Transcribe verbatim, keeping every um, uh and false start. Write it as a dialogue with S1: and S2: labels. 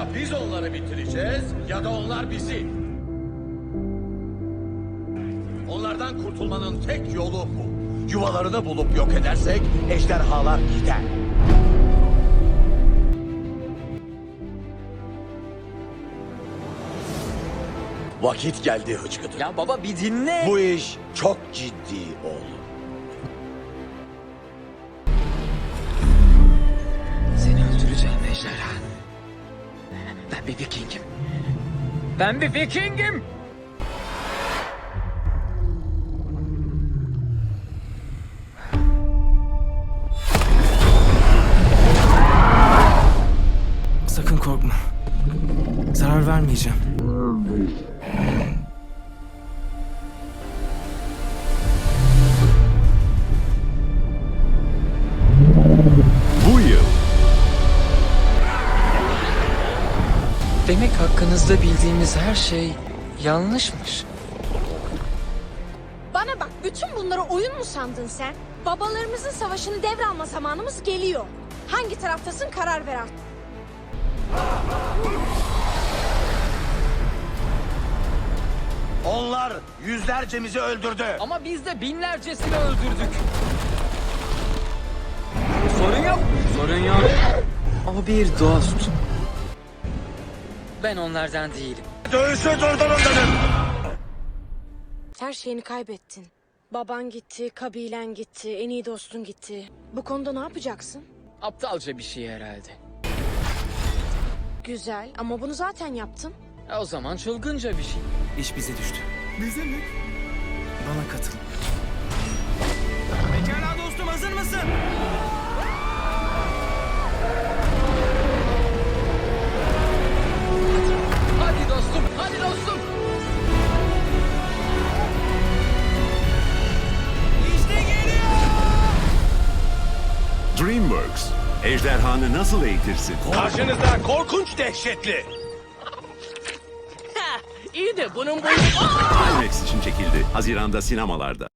S1: Ya biz onları bitireceğiz ya da onlar bizi. Onlardan kurtulmanın tek yolu bu. Yuvalarını bulup yok edersek ejderhalar gider. Vakit geldi hıçkıdı.
S2: Ya baba bir dinle.
S1: Bu iş çok ciddi oğlum.
S2: Seni öldüreceğim ejderha. Ben bir Viking'im. Ben bir Viking'im.
S3: Sakın korkma. Zarar vermeyeceğim.
S4: Bu yıl
S2: Demek hakkınızda bildiğimiz her şey yanlışmış.
S5: Bana bak, bütün bunları oyun mu sandın sen? Babalarımızın savaşını devralma zamanımız geliyor. Hangi taraftasın, karar ver artık.
S1: Onlar yüzlercemizi öldürdü.
S2: Ama biz de binlercesini öldürdük. Sorun yok. Sorun yok. O bir dost. Ben onlardan değilim.
S1: Dövüşü durdurun dedim.
S5: Her şeyini kaybettin. Baban gitti, kabilen gitti, en iyi dostun gitti. Bu konuda ne yapacaksın?
S2: Aptalca bir şey herhalde.
S5: Güzel ama bunu zaten yaptın.
S2: E o zaman çılgınca bir şey.
S3: İş bize düştü. Bize mi? Bana katıl. Pekala dostum, hazır mısın?
S2: Hadi dostum, hadi dostum.
S3: İşte geliyor.
S4: DreamWorks ejderhanı nasıl eğitirsin?
S1: Karşınızda korkunç dehşetli.
S2: İyi de bunun boyu...
S4: IMAX için çekildi. Haziranda sinemalarda.